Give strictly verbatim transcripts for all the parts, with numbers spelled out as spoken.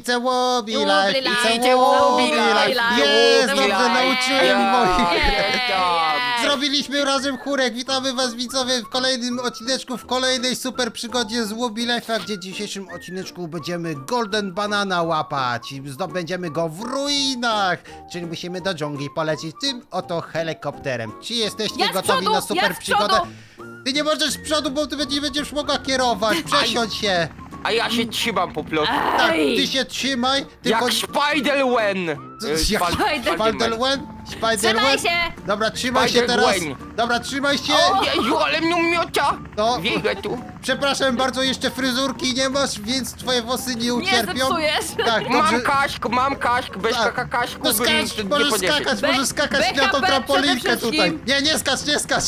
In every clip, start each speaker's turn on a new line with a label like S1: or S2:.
S1: It's a Wobi life,
S2: Wobbly
S1: it's a
S2: life,
S1: Wobi
S2: Wobbly
S1: life.
S2: life,
S1: Jest,
S2: Wobbly
S1: dobrze
S2: life.
S1: nauczyłem moich.
S2: Jej.
S1: Zrobiliśmy razem chórek. Witamy was widzowie w kolejnym odcineczku, w kolejnej super przygodzie z Wobi Life'a, gdzie w dzisiejszym odcineczku będziemy Golden Banana łapać i zdobędziemy go w ruinach, czyli musimy do dżungli polecieć tym oto helikopterem. Czy jesteście
S2: Ja z
S1: gotowi
S2: przodu,
S1: na super
S2: ja z
S1: przygodę?
S2: przodu.
S1: Ty nie możesz z przodu, bo ty nie będziesz mogła kierować. Przesiądź się.
S3: A ja się trzymam po prostu.
S1: Tak,
S2: Ej.
S1: ty się trzymaj, tylko...
S3: Jak Spider-Wen!
S1: Co-
S3: E,
S1: jak
S3: Spal-
S1: Spider-Wen? Spider-Wen?
S2: Trzymaj się!
S1: Dobra, trzymaj się teraz.
S3: Spider-Gwen.
S1: Dobra, trzymaj się.
S3: O Jezu, ale mnie miota!
S1: No.
S3: Biegę tu.
S1: Przepraszam bardzo, jeszcze fryzurki nie masz, więc twoje włosy nie ucierpią.
S2: Nie zepsujesz.
S1: Tak,
S3: Mam
S1: dobrze.
S3: kaśk, mam kaśk, bez
S1: Tak.
S3: kaka kaśku
S1: No
S3: bym
S1: skacz,
S3: nie
S1: możesz
S3: podniesiesz.
S1: skakać,
S2: Be-
S1: możesz skakać
S2: B H
S1: na tą
S2: P
S1: trampolinkę
S2: przede
S1: tutaj.
S2: wszystkim.
S1: Nie, nie skacz, nie skacz.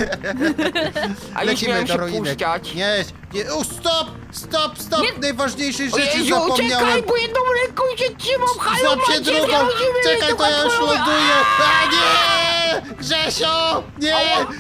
S3: A już miałem się
S1: ruinek.
S3: puszczać.
S1: Nie, nie, o, stop, stop, stop,
S2: Nie.
S1: najważniejszej
S3: O
S1: rzeczy
S3: Jezu,
S1: zapomniałem.
S3: czekaj, bo jedną ręką się trzymam, halo,
S1: Złap się
S3: macie,
S1: drugą!
S3: nie rozumiem,
S1: Czekaj,
S3: to
S1: to ja już
S3: kontroluję.
S1: ląduję! A nie! Grzesio! Nie!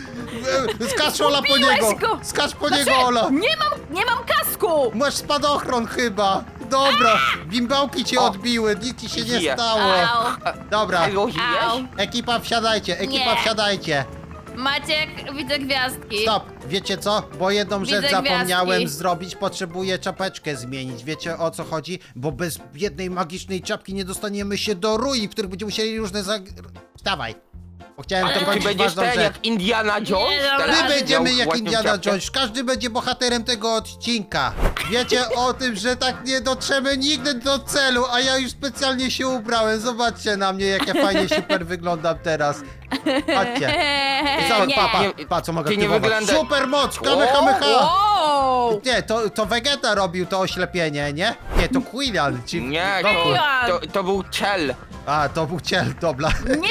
S1: Skacz Ola po
S2: Zgubiłeś
S1: niego!
S2: go.
S1: Skacz po
S2: Znaczy,
S1: niego, Ola!
S2: Nie mam, nie mam kasku!
S1: Masz spadochron chyba! Dobra, bimbałki cię
S3: O.
S1: odbiły, nic ci się nie
S3: Żyję.
S1: stało.
S2: Au,
S1: Dobra,
S3: Halo,
S2: au.
S3: żyjesz?
S1: ekipa wsiadajcie, ekipa
S2: Nie.
S1: wsiadajcie.
S2: Maciek, widzę gwiazdki.
S1: Stop, wiecie co? Bo jedną
S2: Widzę
S1: rzecz zapomniałem
S2: gwiazdki.
S1: zrobić, potrzebuję czapeczkę zmienić. Wiecie o co chodzi? Bo bez jednej magicznej czapki nie dostaniemy się do ruin, w których będziemy musieli różne zag... Wstawaj, bo chciałem
S2: Ale
S3: Ty
S1: dokończyć
S3: będziesz
S1: ważną
S3: ten
S1: rzecz.
S3: jak Indiana Jones?
S2: Nie, dobra,
S3: Teraz
S1: My
S2: ale
S1: będziemy
S3: miał
S1: jak
S3: ładną
S1: Indiana
S3: czapkę.
S1: Jones, każdy będzie bohaterem tego odcinka. Wiecie o tym, że tak nie dotrzemy nigdy do celu, a ja już specjalnie się ubrałem. Zobaczcie na mnie, jak ja fajnie super wyglądam teraz. Patrzcie. I co,
S2: nie.
S1: pa, pa,
S3: Nie,
S1: pa, co mogę
S3: ty nie
S1: aktywować?
S3: wygląda-
S1: Super moc, kamehameha!
S2: Wow!
S1: Nie, to, to Vegeta robił to oślepienie, nie? Nie, to Quillan, ci...
S3: Nie,
S1: Goku.
S3: to, to, to był Cell.
S1: A, to był Ciel, dobra.
S2: Nie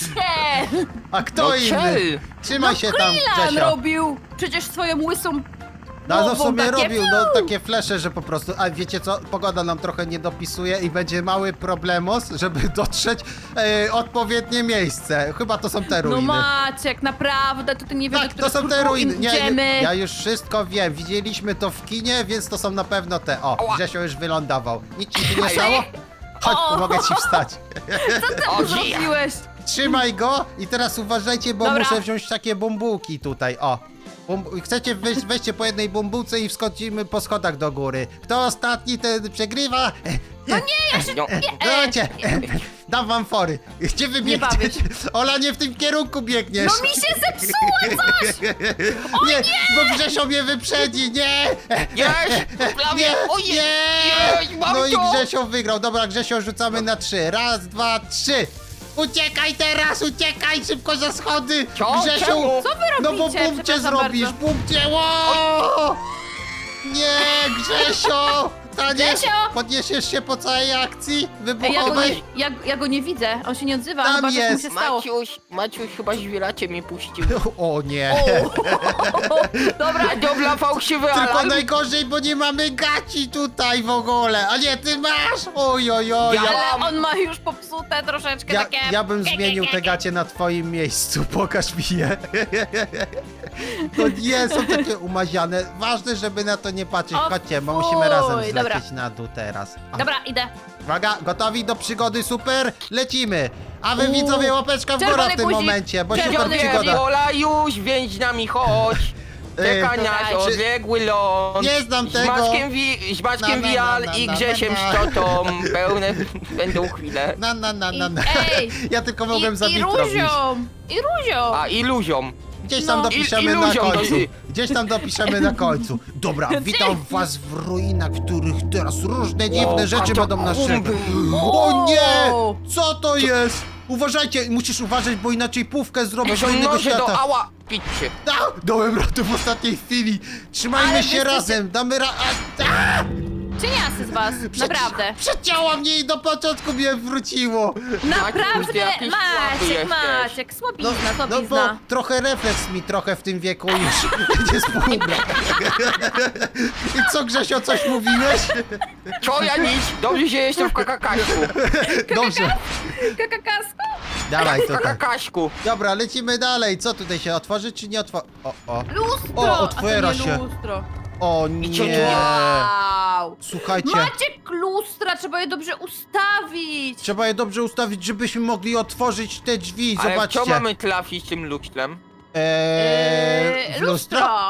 S2: cię!
S1: A kto
S3: No
S1: inny?
S3: Cell.
S1: Trzymaj się tam,
S2: Krylan
S1: Grzesio.
S2: robił przecież swoją łysą
S1: No, no w
S2: głową
S1: sumie
S2: takie
S1: robił,
S2: fiu.
S1: no takie flesze, że po prostu, a wiecie co, pogoda nam trochę nie dopisuje i będzie mały problemos, żeby dotrzeć e, odpowiednie miejsce. Chyba to są te
S2: No
S1: ruiny.
S2: Maciek, naprawdę, to ty nie wiesz,
S1: Tak,
S2: do
S1: to są te
S2: których
S1: ruiny. Nie,
S2: idziemy.
S1: ja już wszystko wiem, widzieliśmy to w kinie, więc to są na pewno te. O,
S3: Ała.
S1: Grzesio już wylądował. Nic ci się nie
S3: Aj.
S1: stało? Chodź,
S2: O.
S1: pomogę ci wstać.
S3: O,
S2: Co
S3: żyje.
S2: zrobiłeś?
S1: Trzymaj go i teraz uważajcie, bo
S2: Dobra.
S1: muszę wziąć takie bumbułki tutaj, o. Bum chcecie wejść, weźcie po jednej bumbułce i wskoczymy po schodach do góry. Kto ostatni, ten przegrywa.
S2: No nie, ja się...
S3: No.
S2: Nie, e,
S1: Dajcie, dam wam fory. Gdzie wy
S2: Nie bawię
S1: biegniecie? Ola, nie w tym kierunku biegniesz.
S2: No mi się zepsuło coś!
S1: nie, bo Grzesio mnie wyprzedzi, nie!
S3: Jest, prawie,
S1: Nie,
S3: ojej,
S1: nie!
S3: jest, mam
S1: No i
S3: to.
S1: Grzesio wygrał. Dobra, Grzesio rzucamy na trzy. Raz, dwa, trzy. Uciekaj teraz, uciekaj szybko za schody!
S3: Co?
S1: Grzesiu!
S3: Czemu?
S2: Co wy
S1: No bo
S2: robicie?
S1: bum cię
S2: Przepraszam
S1: zrobisz,
S2: bardzo.
S1: bum cię, ło! Nie, Grzesio! Ta nie,
S2: Grzesio!
S1: podniesiesz się po całej akcji
S2: Ej, ja, go nie,
S1: wybuchowej?
S2: ja, ja go nie widzę, on się nie odzywa,
S1: Tam
S2: chyba coś mu
S1: jest.
S2: się stało.
S3: Maciuś, Maciuś, chyba żwieracie mnie puścił.
S1: O nie!
S2: Dobra,
S3: A dobra, fałszywy
S1: Tylko
S3: alarm.
S1: najgorzej, bo nie mamy gaci tutaj w ogóle! A nie, ty masz! Oj, oj, oj!
S3: Ja-
S1: Ja,
S2: ale on ma już popsute troszeczkę
S1: ja,
S2: takie...
S1: ja bym zmienił te gacie na twoim miejscu, pokaż mi je. To nie są takie umaziane. Ważne, żeby na to nie patrzeć.
S2: O
S1: Chodźcie, bo
S2: fuj,
S1: musimy razem
S2: dobra.
S1: zlecieć na dół teraz. A,
S2: Dobra, idę.
S1: Uwaga, gotowi do przygody, super? Lecimy! A wy
S2: Uuu.
S1: widzowie łapeczka w górę
S2: Czerwony
S1: w tym
S2: guzik.
S1: momencie, bo super
S2: Czerwony
S1: przygoda.
S3: Viola, już, więź z nami, chodź. Czeka
S1: Ej,
S3: nas
S2: czy-
S3: odległy ląd.
S1: Nie znam
S3: Z
S1: tego.
S3: Maćkiem, wi z Maćkiem
S1: Na, na, na,
S3: Wial
S1: na,
S3: i
S1: na,
S3: Grzesiem
S1: na, na.
S3: Szczotą. Pełne będą chwile.
S1: Na, na, na, na, na.
S2: Ej,
S1: Ja tylko
S2: I,
S1: mogłem
S2: i
S1: za bit robić.
S2: Ruzią! I Ruzią!
S3: A, i luziom.
S1: Gdzieś tam
S2: No.
S1: dopiszemy
S3: I-
S1: na
S3: iluzią
S1: końcu.
S3: to-
S1: Gdzieś tam dopiszemy na końcu. Dobra, witam was w ruinach, w których teraz różne dziwne
S3: O,
S1: rzeczy będą nas
S3: katakumby.
S1: czekać. O nie!
S2: O!
S1: Co to jest? Uważajcie, musisz uważać, bo inaczej pówkę zrobisz
S3: To
S1: do
S3: są
S1: innego
S3: noże do
S1: świata.
S3: ała. Picie.
S1: A, dałem radę w ostatniej chwili. Trzymajmy
S2: Ale
S1: się
S2: wy jesteście-
S1: razem, damy ra... A, a,
S2: Cieniasy z was, naprawdę.
S1: Przecięła mnie i do początku mnie wróciło.
S2: Naprawdę,
S3: ty jakiś słaby
S2: Maciek,
S3: jesteś.
S2: Maciek, słabizna,
S1: No bo
S2: słabizna.
S1: trochę refleks mi trochę w tym wieku już nie współgra. I co, Grzesio, coś mówiłeś?
S3: Co ja nic? Dobrze, że jestem w kakakaśku.
S1: Dobrze,
S2: Kakakasku?
S1: dawaj
S3: W
S1: tutaj.
S3: kakakaśku.
S1: Dobra, lecimy dalej. Co tutaj się otworzy, czy nie otworzy? O, o.
S2: Lustro!
S1: O, otwiera
S2: A to nie
S1: się.
S2: lustro.
S1: O
S3: cię
S1: nie.
S2: Wow.
S1: Słuchajcie,
S2: Maciek, lustra, trzeba je dobrze ustawić.
S1: trzeba je dobrze ustawić, żebyśmy mogli otworzyć te drzwi.
S3: Ale w
S1: Zobaczcie.
S3: co mamy trafić tym lustrem?
S1: Eee,
S2: Eee,
S1: w lustro?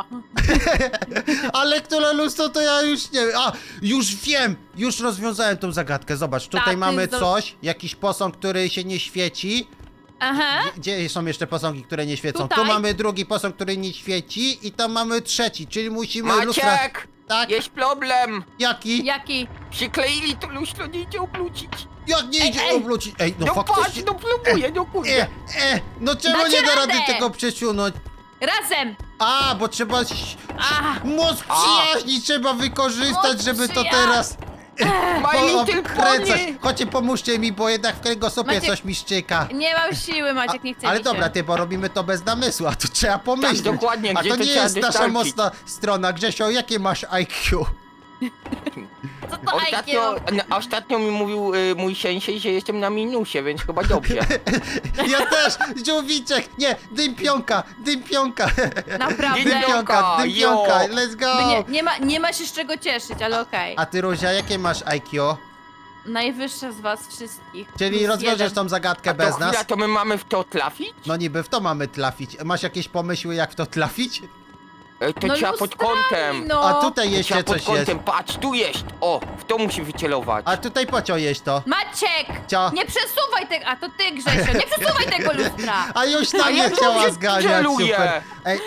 S1: Ale które lustro to ja już nie wiem. A, już wiem! Już rozwiązałem tą zagadkę. Zobacz, tutaj
S2: Tak, to
S1: mamy
S2: jest do-
S1: coś, jakiś posąg, który się nie świeci.
S2: Aha.
S1: Gdzie są jeszcze posągi, które nie świecą?
S2: Tutaj.
S1: Tu mamy drugi posąg, który nie świeci i tam mamy trzeci, czyli musimy lustra...
S3: Maciek!
S1: Tak?
S3: Jest problem!
S1: Jaki?
S2: Jaki?
S3: Przykleili to lustro, nie idzie obrócić.
S1: Jak nie
S2: Ej,
S1: idzie
S2: ej.
S1: obrócić? Ej, no,
S3: No
S1: faktycznie...
S3: patrz, no próbuję, no
S1: E,
S3: kurde.
S1: e, no czemu
S2: Dacie
S1: nie da rady
S2: radę.
S1: tego przesunąć?
S2: Razem.
S1: A, bo trzeba... ś-
S2: Ach.
S1: Moc przyjaźni trzeba wykorzystać,
S2: Moc
S1: żeby to
S2: przyja-
S1: teraz...
S3: My little
S1: obkręcać.
S3: pony!
S1: Chodźcie, pomóżcie mi, bo jednak w kręgosłupie
S2: Maciek,
S1: coś mi szczyka.
S2: Nie mam siły, Maciek, nie chcę
S1: Ale
S2: mi
S1: dobra,
S2: się.
S1: ty, bo robimy to bez namysłu, a tu trzeba pomyśleć.
S3: Tak, dokładnie,
S1: A
S3: gdzie
S1: to
S3: to
S1: nie
S3: trzeba
S1: jest nasza
S3: dostarczyć?
S1: mocna strona. Grzesio, jakie masz I Q?
S2: Co to
S3: Ostatnio,
S2: I Q?
S3: n- ostatnio mi mówił y, mój sensei, że jestem na minusie, więc chyba dobrze.
S1: Ja też! Żółwiczek! Nie! Dympionka! Dympionka!
S2: Naprawdę?
S1: Dympionka! Dympionka!
S3: Jo.
S1: Let's go!
S2: Nie, nie, ma, nie ma się z czego cieszyć, ale okej.
S1: A ty, Ruzia, jakie masz I Q?
S2: Najwyższa z was wszystkich.
S1: Czyli
S2: Plus
S1: rozwiążesz
S2: jeden.
S1: tą zagadkę
S3: A to
S1: bez
S3: chwila,
S1: nas?
S3: to my mamy w to trafić?
S1: No niby w to mamy trafić. Masz jakieś pomysły, jak w to trafić?
S3: E, To
S2: No
S3: trzeba pod
S2: lustrami,
S3: kątem.
S2: No.
S1: A tutaj
S3: To
S1: jeszcze
S3: trzeba pod
S1: coś jest.
S3: kątem, patrz, tu jest. O, w to musi wycelować.
S1: A tutaj pociął jeść to.
S2: Maciek!
S1: Co?
S2: Nie przesuwaj tego, a to ty, Grzesio, nie przesuwaj tego lustra!
S1: A już tam
S3: A
S1: nie
S3: ja
S1: chciała
S3: dobrze
S1: zganiać,
S3: celuję.
S1: super. Ej,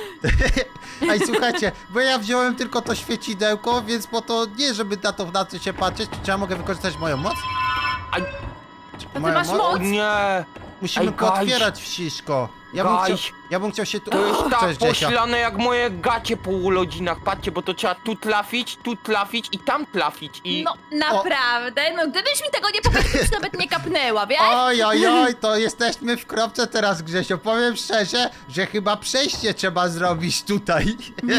S1: ej, słuchajcie, bo ja wziąłem tylko to świecidełko, więc po to nie, żeby na to w nocy się patrzeć, czy ja mogę wykorzystać moją moc?
S3: Aj.
S2: To ty
S1: Moją
S2: masz
S3: O
S2: moc?
S3: nie!
S1: Musimy
S3: Ej, guys.
S1: pootwierać wszystko. Ja bym, chciał,
S3: Guys.
S1: ja bym chciał się tu...
S3: To jest tak
S1: Cześć, Grzesio.
S3: poślane jak moje gacie po urodzinach. Patrzcie, bo to trzeba tu trafić, tu trafić i tam trafić i...
S2: No naprawdę, no gdybyś mi tego nie powiedział, to już nawet nie kapnęła, wiesz?
S1: Oj, oj, oj, to jesteśmy w kropce teraz, Grzesio. Powiem szczerze, że chyba przejście trzeba zrobić tutaj.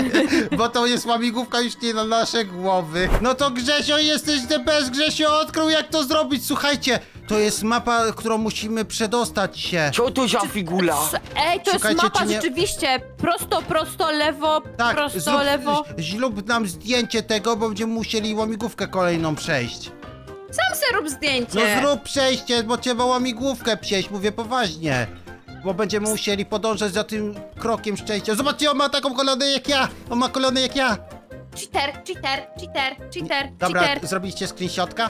S1: Bo to jest łamigłówka już nie na nasze głowy. No to Grzesio, jesteś the best. Grzesio odkrył, jak to zrobić. Słuchajcie, to jest mapa, którą musimy przedostać się.
S3: Co to za figula?
S2: S- Ej, to jest
S1: Szukajcie,
S2: mapa
S1: czy nie-
S2: rzeczywiście. Prosto, prosto, lewo,
S1: Tak,
S2: prosto,
S1: zrób,
S2: lewo.
S1: zrób nam zdjęcie tego, bo będziemy musieli łamigłówkę kolejną przejść.
S2: Sam se rób zdjęcie.
S1: No zrób przejście, bo trzeba łamigłówkę przejść, mówię poważnie. Bo będziemy musieli podążać za tym krokiem szczęścia. Zobaczcie, on ma taką kolonę jak ja! On ma kolonę jak ja!
S2: Cheater, cheater, cheater, cheater,
S1: Dobra,
S2: cheater.
S1: zrobiliście screenshotka?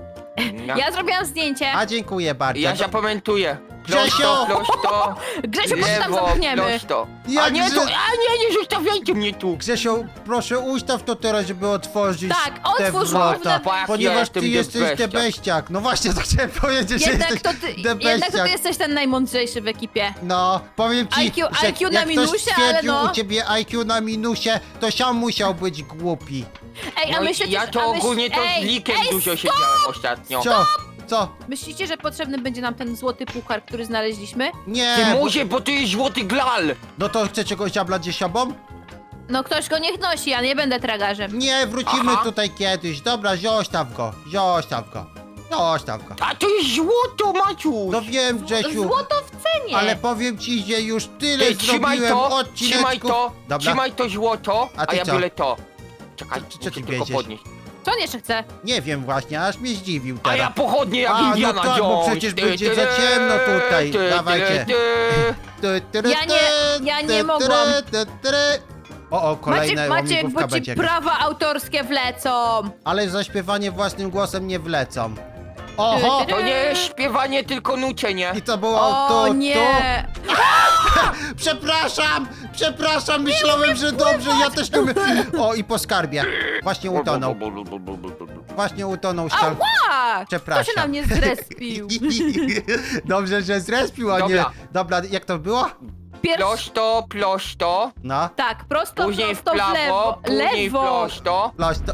S3: Ja,
S2: Ja zrobiłam zdjęcie.
S1: A dziękuję bardzo.
S3: ja zapamiętuję.
S1: Grzesio!
S3: Prosto, prosto,
S2: Grzesiu, chodź tam
S3: lewo,
S2: zamkniemy.
S3: prosto. A
S1: Jak
S3: nie,
S1: że-
S3: to, a nie, nie zostawiajcie mnie tu.
S1: Grzesio, proszę ustaw to teraz, żeby otworzyć
S2: Tak,
S1: te
S2: otwórz
S1: wrota,
S2: wrota.
S1: ponieważ
S3: Jestem
S1: ty
S3: the
S1: jesteś
S3: beściak.
S1: debeściak. No właśnie, to chciałem powiedzieć, że
S2: Jednak
S1: jesteś
S2: to, ty,
S1: the
S2: jednak to
S1: beściak.
S2: ty jesteś ten najmądrzejszy w ekipie.
S1: No, powiem ci,
S2: I Q
S1: że
S2: I Q na
S1: jak
S2: minusie,
S1: ktoś
S2: ale
S1: stwierdził
S2: no.
S1: u ciebie I Q na minusie, to sam musiał być głupi.
S2: Ej, a
S3: No,
S2: myślicie,
S3: ja
S2: że-
S3: to
S2: a myśl-
S3: ogólnie to
S2: ej,
S3: z likiem
S2: ej,
S3: dużo
S2: stop!
S3: siedziałem ostatnio.
S1: Co? Co?
S2: Myślicie, że potrzebny będzie nam ten złoty puchar, który znaleźliśmy?
S1: Nie,
S3: Ty
S1: bo-
S3: może, bo to jest złoty glal.
S1: no to chcecie go ziablać ze sobą?
S2: No ktoś go niech nosi, ja nie będę tragarzem.
S1: Nie, wrócimy
S3: Aha.
S1: tutaj kiedyś. Dobra, zostaw go, zostaw go, zostaw go.
S3: A to jest złoto, Maciuś.
S1: No wiem, Grzesiu,
S2: Złoto w cenie!
S1: ale powiem ci, że już tyle
S3: Ty, trzymaj
S1: zrobiłem
S3: to,
S1: odcineczków.
S3: trzymaj to,
S1: Dobra.
S3: trzymaj to złoto,
S1: A
S3: a,
S1: ty
S3: ja
S1: co?
S3: biorę to. Czekaj,
S1: Co- co
S3: muszę
S1: ty
S3: tylko
S1: wiedziesz?
S3: podnieść.
S2: Co on jeszcze chce?
S1: Nie wiem właśnie, aż mnie zdziwił
S3: A
S1: teraz.
S3: ja pochodnie jak
S1: A, no
S3: Indiana
S1: tak, bo
S3: Jones.
S1: przecież
S3: Ty,
S1: będzie
S3: ty,
S1: za ciemno tutaj.
S3: ty, ty,
S1: Dawajcie.
S3: ty.
S1: Ty, ty, ty,
S2: Ja nie- ja nie
S1: ty,
S2: mogłam.
S1: ty, ty, ty. O, o, kolejna
S2: Maciek, Maciek,
S1: łamigłówka
S2: bo ci
S1: będzie.
S2: prawa autorskie wlecą!
S1: Ale zaśpiewanie własnym głosem nie wlecą. Oho!
S3: To nie jest śpiewanie, tylko nucenie.
S1: I to było
S2: O
S1: to,
S2: nie!
S1: to. Przepraszam! Przepraszam, myślałem, że dobrze, ja też nie umiem. O, i po skarbie. Właśnie utonął. Właśnie utonął skarbie.
S2: Ała! Kto
S1: Przepraszam.
S2: się na mnie zrespił?
S1: Dobrze, że zrespił, a nie.
S3: Dobra.
S1: Dobra, jak to było?
S2: Pierwszy...
S3: Prosto, prosto,
S1: No.
S2: Tak, prosto,
S3: później w
S2: prosto, w lewo.
S3: prawo, później w
S2: Lewo!
S3: prosto.
S1: Loś to...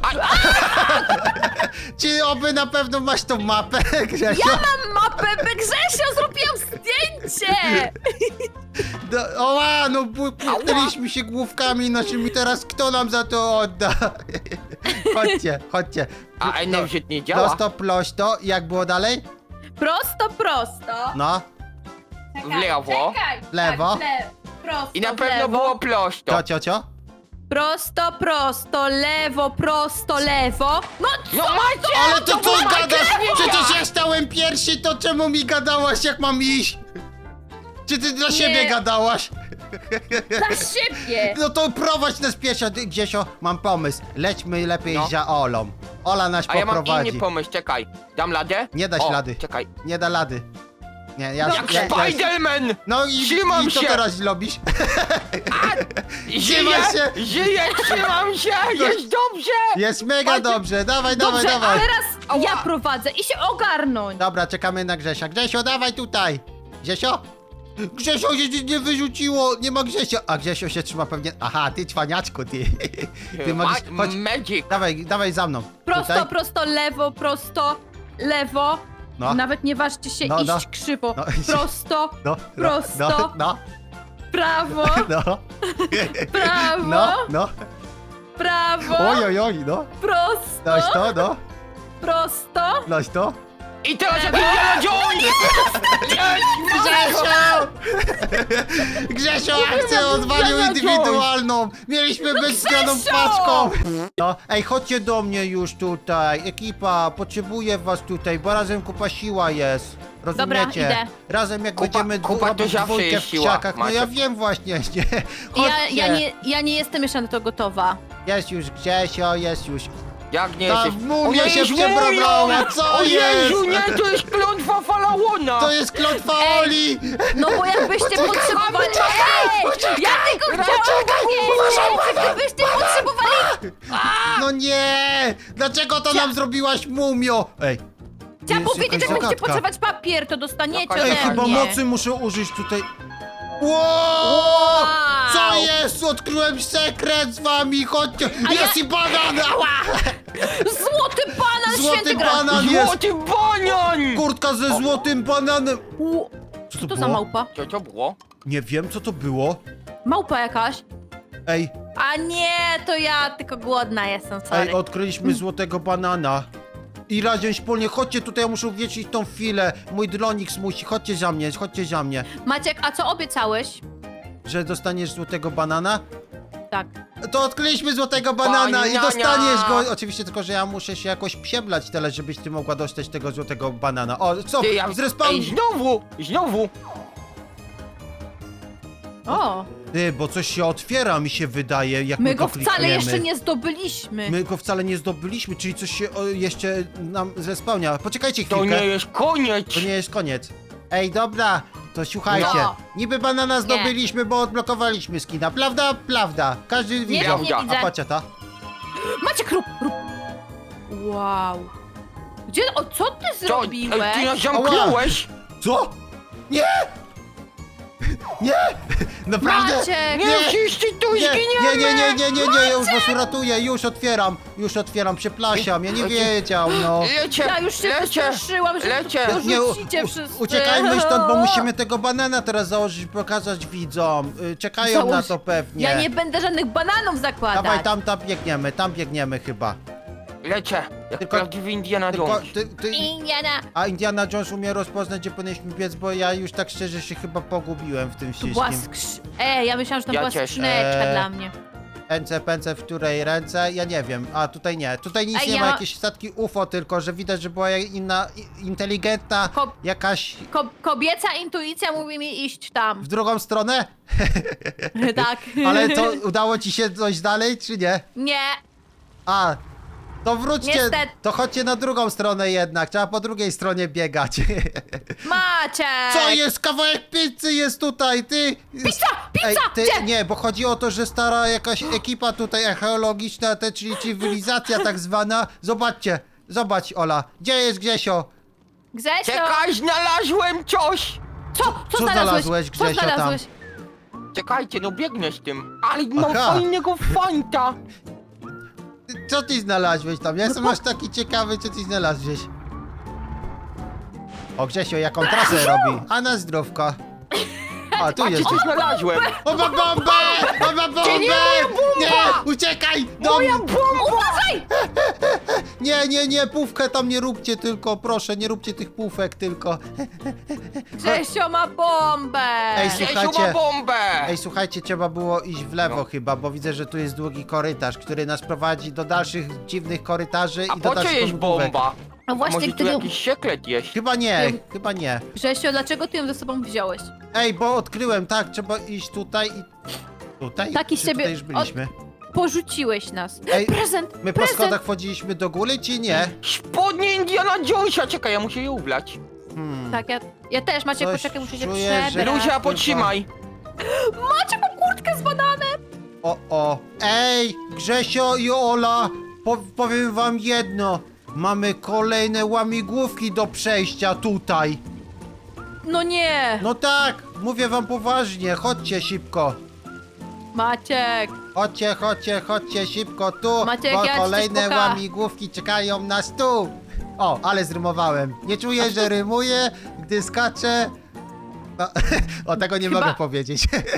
S1: Czy oby na pewno masz tą mapę, Grzesio?
S2: Ja mam mapę, by Grzesio, zrobiłam zdjęcie!
S1: Do, oła, no bu- puknęliśmy się główkami naszymi, teraz kto nam za to odda? Chodźcie, chodźcie.
S3: A
S1: No,
S3: Energy nie działa.
S1: Prosto, prosto, jak było dalej?
S2: Prosto, prosto.
S1: No,
S3: W lewo.
S2: Czekaj.
S1: Lewo.
S2: Tak, w lewo. Prosto,
S3: I na
S2: w
S3: pewno
S2: lewo.
S3: było prosto.
S1: to ciocio?
S2: Prosto, prosto, lewo, prosto, lewo. No co?
S3: No macie!
S1: Ale to co
S3: macie?
S1: gadasz? Przecież ja stałem pierwszy, to czemu mi gadałaś, jak mam iść? Czy ty dla siebie gadałaś?
S2: Za siebie.
S1: No to prowadź nas pieszo, ty, Grzesio, mam pomysł. Lećmy lepiej
S3: No.
S1: za Olą. Ola nas
S3: A ja mam
S1: poprowadzi.
S3: inny pomysł, czekaj. Dam ladę?
S1: Nie dać
S3: O,
S1: lady.
S3: czekaj.
S1: Nie da lady. Nie, ja...
S2: Dobrze.
S3: Jak
S1: ja, ja
S3: Spiderman!
S1: no i,
S3: Trzymam
S1: i co
S3: się.
S1: teraz zrobisz?
S3: Żyję!
S1: Trzymaj się.
S3: Żyję, trzymam się! Jest dobrze!
S1: Jest mega
S3: Chodź.
S1: dobrze, dawaj,
S2: Dobrze,
S1: dawaj, dawaj.
S2: ale raz ja prowadzę i się ogarnąć.
S1: Dobra, czekamy na Grzesia. Grzesio, dawaj tutaj. Grzesio? Grzesio się nie wyrzuciło, nie ma Grzesio. A Grzesio się trzyma pewnie... Aha, ty cwaniaczku, ty. Ty możesz...
S3: Ma-
S1: Chodź,
S3: Magic!
S1: dawaj, dawaj za mną.
S2: Prosto,
S1: Tutaj.
S2: prosto, lewo, prosto, lewo.
S1: No.
S2: Nawet nie ważcie się
S1: No,
S2: iść
S1: no.
S2: krzywo.
S1: No.
S2: Prosto,
S1: No, no,
S2: prosto,
S1: no, no,
S2: prawo,
S1: no,
S2: prawo,
S1: no, no.
S2: prawo,
S1: Oj, oj, oj, no.
S2: prosto,
S1: Noś to, no.
S2: prosto.
S1: Noś to.
S3: I teraz jak Indiana Jones!
S1: Grzesio! Grzesio akcję odwalił
S3: Grzesio!
S1: indywidualną! Mieliśmy być zgraną
S2: Grzesio!
S1: paczką! No, ej, chodźcie do mnie już tutaj. Ekipa, potrzebuję was tutaj, bo razem kupa siła jest. Rozumiecie?
S2: idę.
S1: Razem jak
S3: Kupa-
S1: będziemy dwu,
S3: kupa to
S1: robić
S3: zawsze
S1: dwójkę
S3: jest
S1: w
S3: siła,
S1: krzakach, no ja
S3: Maciek.
S1: wiem właśnie, nie?
S2: Ja,
S1: Chodźcie.
S2: ja, nie, ja nie jestem jeszcze na to gotowa.
S1: Jest już Grzesio, jest już.
S3: Jak nie
S1: Ta
S3: jesteś...
S1: mumia
S3: O
S1: się
S3: Jezu,
S1: przebrała, co
S3: O Jezu,
S1: jest?
S3: nie, to jest klątwa faraona!
S1: To jest klątwa
S2: Ej.
S1: Oli!
S2: No bo jakbyście potrzebowali... Ej! Ja tylko chciałam powiedzieć, gdybyście potrzebowali...
S1: No nie! Dlaczego to nam zrobiłaś, mumio? Ej.
S2: Chciałam
S1: jest
S2: powiedzieć,
S1: jakaś
S2: jak będziecie
S1: zagadka.
S2: potrzebować papier, to dostaniecie
S3: Ej,
S1: Ej,
S2: ode
S1: chyba
S2: mnie.
S1: mocy muszę użyć tutaj. Wow!
S2: Wow!
S1: Co jest? Odkryłem sekret z wami, chodźcie!
S2: A
S1: Jest
S2: ja-
S1: i banan! Ała!
S2: Złoty banan,
S1: Złoty
S2: święty gra...
S1: banan jest!
S3: Złoty banian!
S1: Kurtka ze złotym bananem!
S2: U,
S1: Co
S2: Co
S1: to
S2: to za
S1: było?
S2: małpa?
S3: Co to było?
S1: Nie wiem, co to było.
S2: Małpa jakaś?
S1: Ej,
S2: A nie, to ja tylko głodna jestem, sorry.
S1: ej, odkryliśmy złotego banana. I razem wspólnie, chodźcie tutaj, ja muszę uwiecznić tą chwilę. Mój Dronix musi, chodźcie za mnie, chodźcie za mnie.
S2: Maciek, a co obiecałeś?
S1: Że dostaniesz złotego banana?
S2: Tak.
S1: To odkryliśmy złotego banana i
S3: Banania.
S1: dostaniesz go. Oczywiście tylko, że ja muszę się jakoś przeblać tyle, żebyś ty mogła dostać tego złotego banana. O, co?
S3: Ty, ja...
S1: Zrespawn...
S3: Ej, znowu! Znowu!
S2: O,
S1: Ty, bo coś się otwiera, mi się wydaje, jak my,
S2: my go wcale
S1: klikniemy.
S2: jeszcze nie zdobyliśmy.
S1: My go wcale nie zdobyliśmy, czyli coś się o, jeszcze nam zrespełnia. Poczekajcie
S3: To
S1: chwilkę.
S3: nie jest koniec!
S1: To nie jest koniec. Ej, dobra, to słuchajcie.
S2: No.
S1: Niby banana zdobyliśmy, bo odblokowaliśmy skina. Prawda? Prawda. Każdy widział.
S2: wiem, nie
S3: Prawda.
S2: widzę.
S1: A patrzcie ta.
S2: Maciek, rób, rób. Wow. Gdzie, o co ty
S3: Co?
S2: zrobiłeś?
S3: Ej, ty nas zamknąłeś!
S1: Co? Nie! Nie! Naprawdę?
S2: Maciek!
S3: Nie, wszyscy tu
S1: Nie, nie,
S3: zginiemy!
S1: nie, nie, nie, nie, nie, już was uratuję, już otwieram, już otwieram, przepraszam, ja nie wiedział, no.
S3: Lecie,
S2: Ja już się
S3: lecie!
S2: przestraszyłam, że
S3: lecie.
S2: to
S1: Nie, u-
S2: rzucicie
S1: u-
S2: wszyscy.
S1: uciekajmy stąd, bo musimy tego banana teraz założyć, pokazać widzom. Y, Czekają
S2: Założ-
S1: na to pewnie.
S2: Ja nie będę żadnych bananów zakładać.
S1: Dawaj, tam, tam biegniemy, tam biegniemy chyba.
S3: Lecie! Jak
S1: Tylko-
S3: prawdziwy Indiana
S1: Tylko,
S3: Jones.
S1: ty, ty,
S2: Indiana.
S1: a Indiana Jones umie rozpoznać, gdzie powinniśmy biec, bo ja już tak szczerze się chyba pogubiłem w tym
S2: To była
S1: wszystkim.
S2: skrz... Ej, ja myślałam, że to
S3: Ja
S2: była
S3: też.
S2: skrzyneczka
S1: Eee,
S2: dla mnie.
S1: Ręce, pęce, w której ręce? Ja nie wiem. A tutaj nie. Tutaj nic
S2: Ej,
S1: nie
S2: ja
S1: ma,
S2: ma-
S1: jakieś statki U F O, tylko że widać, że była inna, i- inteligentna,
S2: Ko-
S1: jakaś
S2: Ko kobieca intuicja mówi mi iść tam.
S1: w drugą stronę.
S2: tak.
S1: Ale to udało ci się coś dalej, czy nie?
S2: Nie.
S1: A, to wróćcie,
S2: Niestety.
S1: to chodźcie na drugą stronę jednak, trzeba po drugiej stronie biegać.
S2: Maciek.
S1: Co jest? Kawałek pizzy jest tutaj, ty!
S2: Pizza! Pizza!
S1: Ej, ty,
S2: Gdzie?
S1: nie, bo chodzi o to, że stara jakaś ekipa tutaj archeologiczna, te, czyli cywilizacja tak zwana. Zobaczcie, zobacz Ola, gdzie jest Grzesio?
S2: Grzesio.
S3: Czekaj, znalazłem coś!
S2: Co? Co,
S1: Co
S2: znalazłeś?
S1: znalazłeś,
S2: Co
S1: Grzesio, tam?
S2: znalazłeś?
S3: Czekajcie, no biegnę z tym. Ale mam
S1: Aha.
S3: fajnego fanta!
S1: Ty- Co ty znalazłeś tam? Ja jestem aż taki ciekawy, co ty znalazłeś. O Grzesio, jaką trasę robi? A na zdrówko. A, tu
S3: Patrzcie,
S1: jesteś.
S3: co znalazłem.
S1: O, ma bombę! O, ma bombę!
S3: nie, moja bomba!
S1: Nie, uciekaj! Do...
S3: Moja bomba!
S2: Uważaj!
S1: Nie, nie, nie, pówkę tam nie róbcie tylko, proszę, nie róbcie tych pówek tylko.
S2: Grzesio ma bombę!
S1: Ej,
S3: Grzesiu
S1: słuchajcie.
S3: ma bombę!
S1: Ej, słuchajcie, trzeba było iść w lewo
S3: No.
S1: chyba, bo widzę, że tu jest długi korytarz, który nas prowadzi do dalszych dziwnych korytarzy
S3: A
S1: i do
S3: po co
S1: dalszych
S3: jest
S1: pogłówek.
S3: bomba?
S2: No właśnie,
S3: Może tu
S2: gdyby...
S3: jakiś sekret jest?
S1: Chyba nie,
S2: Nie.
S1: chyba nie.
S2: Grzesio, dlaczego ty ją ze sobą wziąłeś?
S1: Ej, bo odkryłem, tak, trzeba iść tutaj i... Tutaj?
S2: Taki
S1: Czy
S2: z ciebie-
S1: tutaj już byliśmy?
S2: Porzuciłeś nas.
S1: Ej,
S2: Prezent!
S1: My po
S2: prezent!
S1: schodach wchodziliśmy do góry, czy nie?
S3: Spodnie Indiana Jonesa! Czekaj, ja muszę je ubrać.
S1: Hmm.
S2: Tak, ja, ja też, Maciek,
S1: Coś
S2: poczekaj, muszę się
S1: czuję, że-
S2: przebrać.
S3: Luzia, podtrzymaj!
S2: Maciek, mam kurtkę z bananem!
S1: O, o. Ej, Grzesio i Ola, po, powiem wam jedno. Mamy kolejne łamigłówki do przejścia tutaj.
S2: No nie!
S1: No tak, mówię wam poważnie, chodźcie szybko.
S2: Maciek!
S1: Chodźcie, chodźcie, chodźcie szybko tu,
S2: Maciek,
S1: bo
S2: ja ci coś
S1: kolejne
S2: pokażę.
S1: łamigłówki czekają nas tu. O, ale zrymowałem. Nie czuję, że rymuję, gdy skaczę. No, o, tego nie
S2: Chyba-
S1: mogę powiedzieć.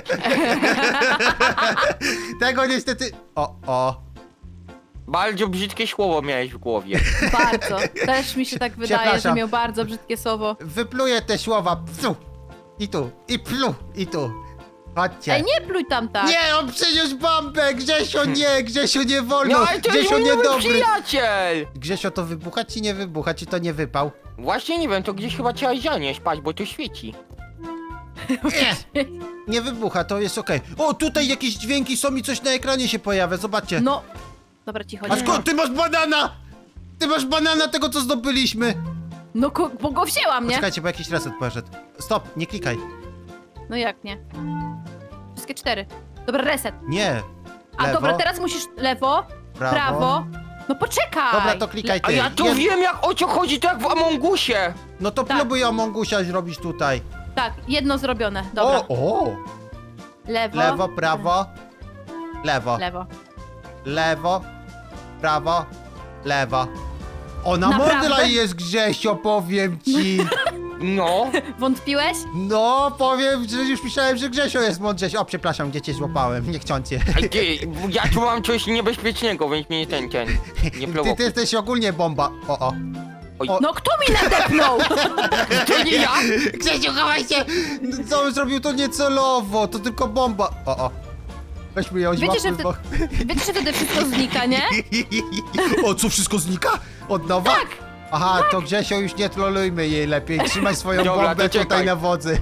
S1: Tego niestety... O, o.
S3: Bardzo brzydkie słowo miałeś w głowie.
S2: Bardzo. Też mi się tak wydaje, że
S1: Przepraszam.
S2: miał bardzo brzydkie słowo.
S1: Wypluję te słowa. Psu. I tu, i plu, i tu. Chodźcie.
S2: Ej, nie pluj tam tak!
S1: Nie, on przyniósł bombę! Grzesio, nie, Grzesio, nie wolno!
S3: No ale to jest
S1: Grzesio,
S3: mój nowy
S1: niedobry!
S3: przyjaciel!
S1: Grzesio, to wybucha czy nie wybucha? Czy to nie wypał?
S3: Właśnie nie wiem, to gdzieś chyba trzeba zanieść, patrz, bo to świeci.
S1: Nie, nie wybucha, to jest okej. O, tutaj jakieś dźwięki są i coś na ekranie się pojawia, zobaczcie.
S2: No. Dobra, cicho.
S1: A
S2: nie.
S1: skąd ty masz banana? Ty masz banana tego, co zdobyliśmy.
S2: No, ko- bo go wzięłam, nie?
S1: Czekajcie, bo jakiś reset poszedł. Stop, nie klikaj.
S2: No jak nie? Wszystkie cztery. Dobra, reset.
S1: Nie.
S2: A
S1: Lewo,
S2: dobra, teraz musisz lewo,
S1: prawo.
S2: prawo. No poczekaj!
S1: Dobra, to klikaj
S3: A
S1: ty.
S3: ja tu
S1: Jed-
S3: wiem, jak o co chodzi, to jak w Amongusie.
S1: No to
S2: Tak.
S1: próbuj Amongusia zrobić tutaj.
S2: Tak, jedno zrobione. Dobra.
S1: O, o.
S2: Lewo.
S1: Lewo, prawo. Lewo.
S2: Lewo.
S1: Lewo, prawo, lewo. Ona
S2: Naprawdę?
S1: mądra jest, Grzesio, powiem ci.
S3: No,
S2: Wątpiłeś?
S1: No, powiem, że już myślałem, że Grzesio jest mądrzejszy. O, przepraszam, gdzie cię złapałem, niechciący.
S3: Ej, ty, ja tu mam coś niebezpiecznego, więc mnie ten, ten, nie
S1: Ty, ty
S3: prowokuj.
S1: jesteś ogólnie bomba. O, o. O.
S2: No kto mi nadepnął?
S3: To nie ja!
S1: Grzesiu, chowaj się! Co on zrobił, to niecelowo, to tylko bomba. O, o. Weźmy ją,
S2: Wiecie, że
S1: złapmy, bo...
S2: Wiecie, że wtedy wszystko znika, nie?
S1: O, co, wszystko znika? Od nowa?
S2: Tak.
S1: Aha, to Grzesio, już nie trolujmy jej lepiej. Trzymaj swoją
S3: Dobra,
S1: bombę
S3: to czekaj.
S1: tutaj na wodzy.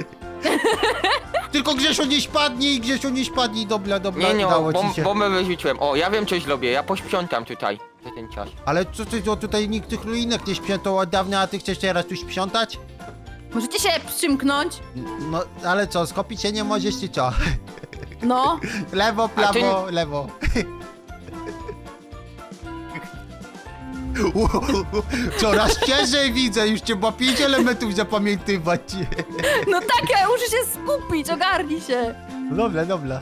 S1: Tylko Grzesio nie spadnij, Grzesio nie spadnij, dobra, dobra,
S3: Nie, nie,
S1: udało
S3: bom,
S1: ci się.
S3: bombę wyrzuciłem. O, ja wiem, coś zrobię, ja posprzątam tutaj za ten czas.
S1: Ale co ty, to tutaj nikt tych ruinek nie sprzątał od dawna, a ty chcesz teraz tu sprzątać?
S2: Możecie się przymknąć?
S1: No, ale co, skopić się nie możesz, czy co?
S2: No.
S1: Lewo,
S3: A ty-
S1: prawo, lewo. Coraz ciężej widzę, już trzeba pięć elementów zapamiętywać.
S2: No tak, ja muszę się skupić, ogarnij się.
S1: Dobra, dobra.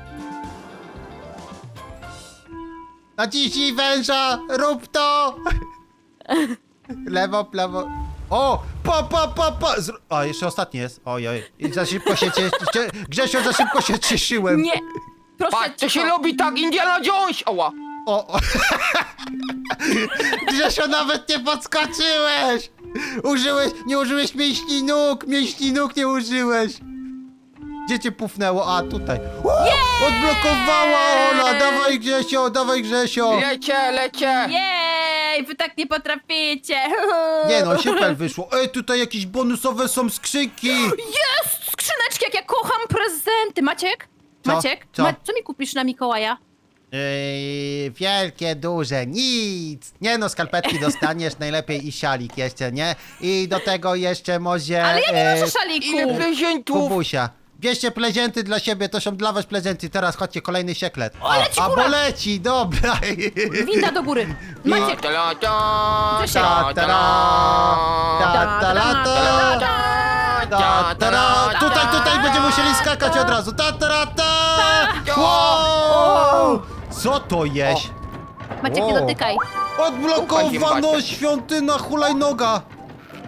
S1: Naciśnij węża, rób to! Lewo, prawo. O! Pa, pa, pa, pa! Zr o, jeszcze ostatni jest. Ojoj. I za szybko się cie... cie... Grzesio, za szybko się cieszyłem.
S2: Nie. Proszę
S3: Patrz, to się
S2: cicho.
S3: robi tak, Indiana Jones! Oła!
S1: O, o. Grzesio, nawet nie podskoczyłeś! Użyłeś, nie użyłeś mięśni nóg, mięśni nóg nie użyłeś. Gdzie cię pufnęło? A, tutaj. O, odblokowała Ola! Dawaj Grzesio, dawaj Grzesio!
S3: Lecie, lecie!
S2: Jej, wy tak nie potraficie.
S1: Nie no, super wyszło. Ej, tutaj jakieś bonusowe są skrzynki!
S2: Jest! Skrzyneczki, jak ja kocham prezenty. Maciek?
S1: Co?
S2: Maciek?
S1: Co?
S2: Ma co mi kupisz na Mikołaja?
S1: Yy, wielkie, duże, nic! Nie no, skarpetki dostaniesz, najlepiej i szalik jeszcze, nie? I do tego jeszcze może...
S2: Ale ja nie
S1: e,
S2: noszę szaliku.
S3: Ile prezentów!
S1: Kubusia. Bierzcie prezenty dla siebie, to są dla was prezenty. Teraz chodźcie, kolejny sekret.
S2: O, leci
S1: a
S2: góra.
S1: bo leci, dobra.
S2: Winda do góry. Maciek.
S3: Ta, ta, ta,
S2: Co się-
S3: ta, ta,
S1: Ta, ta, la, ta. Ta, ta, ra. Tutaj, tutaj będziemy musieli skakać od razu. Ta, ta, ra, ta. Wow. Co to jest?
S2: Maciek, nie
S1: O.
S2: dotykaj.
S3: Ufaj,
S1: Odblokowano
S3: zimbacie.
S1: świątyna hulajnoga.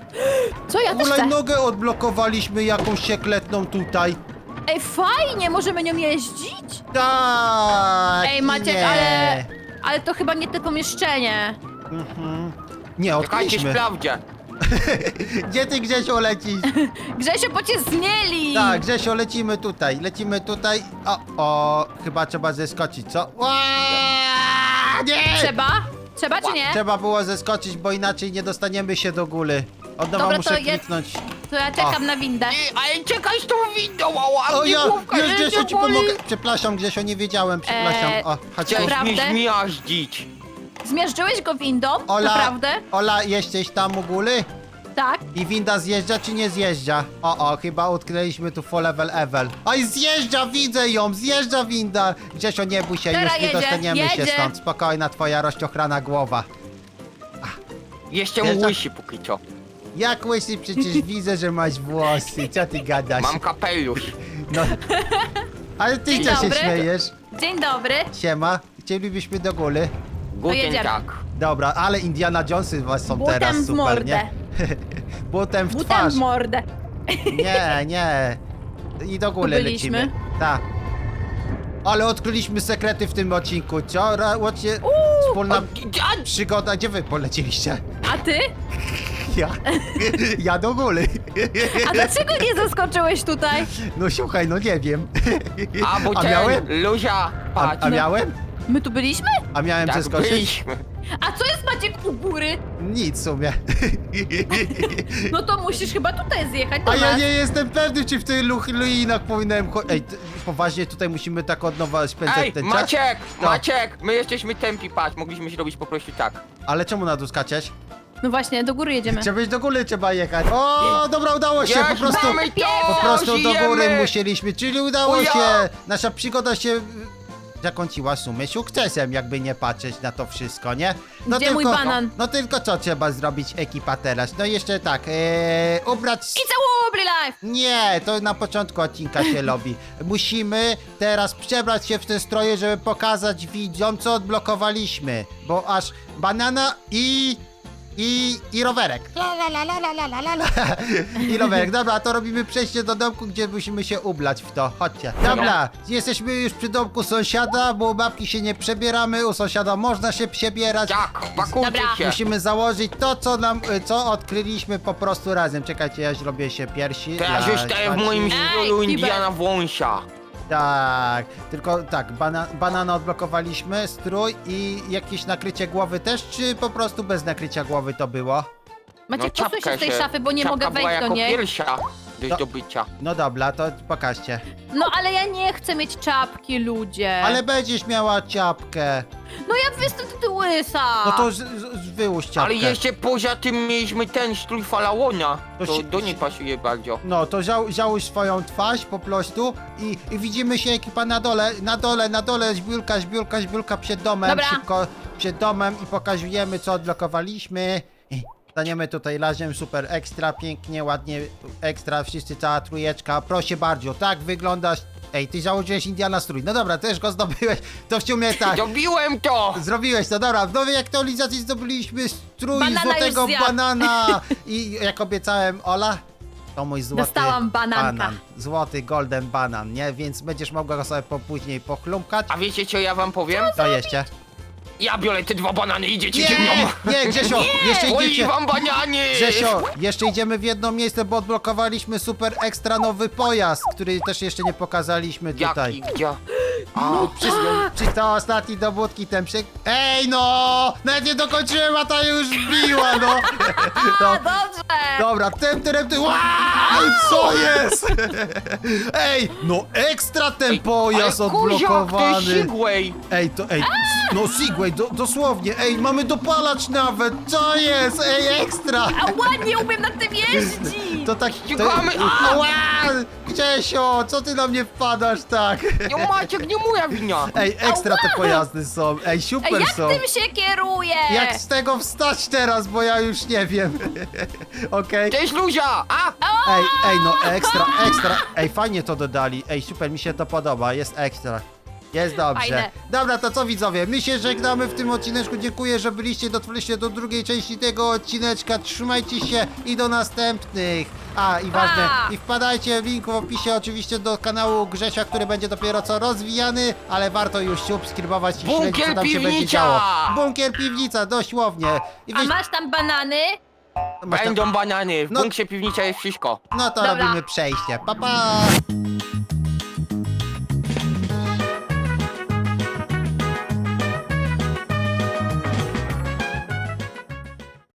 S2: Co ja też chcę?
S1: Hulajnogę odblokowaliśmy jakąś sekretną tutaj.
S2: Ej, fajnie, możemy nią jeździć?
S1: Tak!
S2: Ej, Maciek,
S1: nie.
S2: ale... Ale to chyba nie te pomieszczenie.
S1: Mhm. Nie,
S3: Czekajcie,
S1: odkryliśmy.
S3: sprawdzę.
S1: Gdzie ty, Grzesio, lecisz?
S2: Grzesio, bo cię zmieli!
S1: Tak, Grzesio, lecimy tutaj, lecimy tutaj. O, o, chyba trzeba zeskoczyć, co? Ła, nie!
S2: Trzeba? Trzeba czy nie?
S1: Trzeba było zeskoczyć, bo inaczej nie dostaniemy się do góry. Od nowa
S2: Dobra,
S1: muszę
S2: to je-
S1: kliknąć.
S2: To ja czekam
S1: O.
S2: na windę.
S3: Ej, ale czekaj z tą windą, a
S1: O,
S3: mnie
S1: ja,
S3: główka
S1: już
S3: nie
S1: Grzesio ci
S3: boli.
S1: pomogę. Przepraszam, Grzesio, nie wiedziałem, przepraszam.
S2: Eee,
S1: O, chodź tu.
S3: Chciałeś mnie
S2: Naprawdę?
S3: zmiażdżyć.
S2: Zmierzyłeś go windą?
S1: Ola,
S2: Naprawdę?
S1: Ola, jesteś tam u góry?
S2: Tak.
S1: I winda zjeżdża czy nie zjeżdża? O, o, chyba utknęliśmy tu full level Evel. Oj, zjeżdża, widzę ją, zjeżdża winda. Grzesio, nie bój się,
S2: Teraz
S1: już nie
S2: jedzie,
S1: dostaniemy się
S2: jedzie.
S1: stąd. Spokojna twoja rozciochrana głowa.
S3: Jeszcze
S1: Wiesz,
S3: mu
S1: tak-
S3: łysi póki co.
S1: Jak łysy, przecież widzę, że masz włosy. Co ty gadasz?
S3: Mam kapelusz.
S1: No. Ale ty
S2: Dzień
S1: co się
S2: dobry.
S1: śmiejesz?
S2: Dzień dobry.
S1: Siema, chcielibyśmy do góry.
S3: Guten
S2: jedziemy.
S3: tak.
S1: Dobra, ale Indiana Jonesy was są
S2: Butem
S1: teraz
S2: w
S1: super,
S2: mordę.
S1: nie? Butem w
S2: Butem
S1: twarz.
S2: w mordę.
S1: Nie, nie. I do góry
S2: Tu byliśmy?
S1: lecimy. Tak. Ale odkryliśmy sekrety w tym odcinku, co? Ra- Łocie, wspólna
S3: A,
S1: przygoda. Gdzie wy polecieliście?
S2: A ty?
S1: Ja. Ja do góry.
S2: A dlaczego nie zaskoczyłeś tutaj?
S1: No słuchaj, no nie wiem.
S3: a bo
S1: A
S3: ten,
S1: miałem?
S3: Luzia,
S1: A,
S3: patrz.
S1: a miałem?
S2: My tu byliśmy?
S1: A miałem
S3: Tak,
S1: zeskoczyć?
S3: byliśmy.
S2: A co jest Maciek u góry?
S1: Nic w sumie.
S2: No to musisz chyba tutaj zjechać do
S1: A ja
S2: nas.
S1: nie jestem pewny, czy w tych lu- ruinach powinienem cho- Ej, t- poważnie tutaj musimy tak od nowa spędzać
S3: Ej,
S1: ten czas?
S3: Maciek,
S1: No.
S3: Maciek, my jesteśmy tempi, patrz, mogliśmy zrobić po prostu tak.
S1: Ale czemu na dół skaczesz?
S2: No właśnie, do góry jedziemy.
S1: Trzeba iść do góry, trzeba jechać. O, dobra, udało się, po
S3: Jest,
S1: prostu...
S3: mamy to,
S1: Po prostu do
S3: żyjemy.
S1: góry musieliśmy, czyli udało
S3: O ja!
S1: się. Nasza przygoda się y, zakończyła w sumie sukcesem, jakby nie patrzeć na to wszystko, nie?
S2: Gdzie mój banan?
S1: No tylko co trzeba zrobić ekipa teraz? No jeszcze tak, e, ubrać...
S2: It's a wobbly life!
S1: Nie, to na początku odcinka się robi. Musimy teraz przebrać się w te stroje, żeby pokazać widzom, co odblokowaliśmy. Bo aż banana i... I, i rowerek. La, la, la, la, la, la, la, la. I rowerek. Dobra, to robimy przejście do domku, gdzie musimy się ublać w to. Chodźcie. Dobra, jesteśmy już przy domku sąsiada, bo u babki się nie przebieramy, u sąsiada można się przebierać.
S3: Tak, pakujcie
S2: Dobra.
S3: się.
S1: Musimy założyć to, co nam, co odkryliśmy po prostu razem. Czekajcie, ja zrobię się piersi.
S3: Teraz
S1: dla
S3: już staję w
S1: Maci.
S3: moim
S2: Ej,
S3: stylu
S2: Kibek.
S3: Indiana Wąsia.
S1: Tak, tylko tak, bana banana odblokowaliśmy, strój i jakieś nakrycie głowy też, czy po prostu bez nakrycia głowy to było?
S2: Maciek,
S3: No,
S2: posuń się
S3: czapkę
S2: z tej
S3: się-
S2: szafy, bo nie
S3: czapka
S2: mogę
S3: była
S2: wejść do
S3: jako
S2: niej.
S3: pierwsza do
S1: To-
S3: zdobycia.
S1: No dobra, to pokażcie.
S2: No ale ja nie chcę mieć czapki, ludzie.
S1: Ale będziesz miała ciapkę.
S2: No ja jestem ty łysa.
S1: No to z, z, z wyłóż ciapkę.
S3: Ale jeszcze poza tym mieliśmy ten strój faraona.
S1: To
S3: To
S1: się-
S3: do niej pasuje bardzo.
S1: No to zał, załóż swoją twarz po prostu i, i widzimy się ekipa na dole, na dole, na dole, zbiórka, zbiórka, zbiórka przed domem,
S2: Dobra.
S1: szybko przed domem i pokazujemy co odblokowaliśmy. I staniemy tutaj razem, super ekstra, pięknie, ładnie, ekstra, wszyscy cała trójeczka, proszę bardzo, tak wyglądasz. Ej, ty założyłeś Indiana strój, no dobra, też go zdobyłeś, to w sumie tak.
S3: Zrobiłem to!
S1: Zrobiłeś to, dobra, w nowej aktualizacji zdobyliśmy strój
S2: Banana
S1: złotego
S2: już zjadł.
S1: banana i jak obiecałem, Ola, to mój złoty
S2: Dostałam bananka.
S1: banan, złoty golden banan, nie? Więc będziesz mogła go sobie po później pochlumkać.
S3: A wiecie co ja wam powiem?
S1: To jeszcze.
S3: Ja biorę te dwa banany, idziecie ze
S1: Nie,
S3: mną!
S1: nie, Grzesio, jeszcze
S3: Oj,
S1: idziecie.
S3: wam banany!
S1: Grzesio, jeszcze idziemy w jedno miejsce, bo odblokowaliśmy super ekstra nowy pojazd, który też jeszcze nie pokazaliśmy tutaj.
S3: Jaki, gdzie? A,
S1: Przy, przy to ostatni dowódki ten przy... Ej no! Nawet nie dokończyłem, a ta już biła, no!
S2: A,
S1: no.
S2: dobrze.
S1: Dobra, tym, tym, tym. Wow, co jest? Ej, no ekstra ten pojazd
S3: ale kuziak, to jest
S1: odblokowany.
S3: Segway!
S1: Ej, to ej, no Segway, do, dosłownie, ej, mamy dopalacz nawet, co jest? Ej, ekstra!
S2: A ładnie umiem na tym jeździć.
S1: To tak,
S3: Ścigamy,
S1: to,
S3: a!
S1: Ła, Grzesio, co ty na mnie wpadasz tak?
S3: Nie Maciek, nie moja wina!
S1: Ej, ekstra te pojazdy są, ej,
S2: Ej,
S1: super
S2: jak
S1: są.
S2: tym się kieruje?
S1: Jak z tego wstać teraz, bo ja już nie wiem. Okej.
S3: Cześć Luzia! A!
S1: Ej, ej, no ekstra, ekstra. Ej, fajnie to dodali. Ej, super, mi się to podoba, jest ekstra. Jest dobrze.
S2: Fajne.
S1: Dobra, to co widzowie? My się żegnamy w tym odcineczku. Dziękuję, że byliście, dotrwaliście do drugiej części tego odcineczka. Trzymajcie się i do następnych. A, i ważne,
S2: Pa!
S1: i wpadajcie w link w opisie oczywiście do kanału Grzesia, który będzie dopiero co rozwijany, ale warto już subskrybować i śledzić,
S3: Bunkier
S1: co tam się będzie
S3: piwnica!
S1: działo. Bunkier piwnica, dosłownie. I
S2: A
S1: wy-
S2: masz tam banany?
S1: masz tam-
S3: Będą banany, w
S1: No-
S3: bunksie piwnica jest wszystko.
S1: No to
S2: Dobra.
S1: robimy przejście. Pa, pa!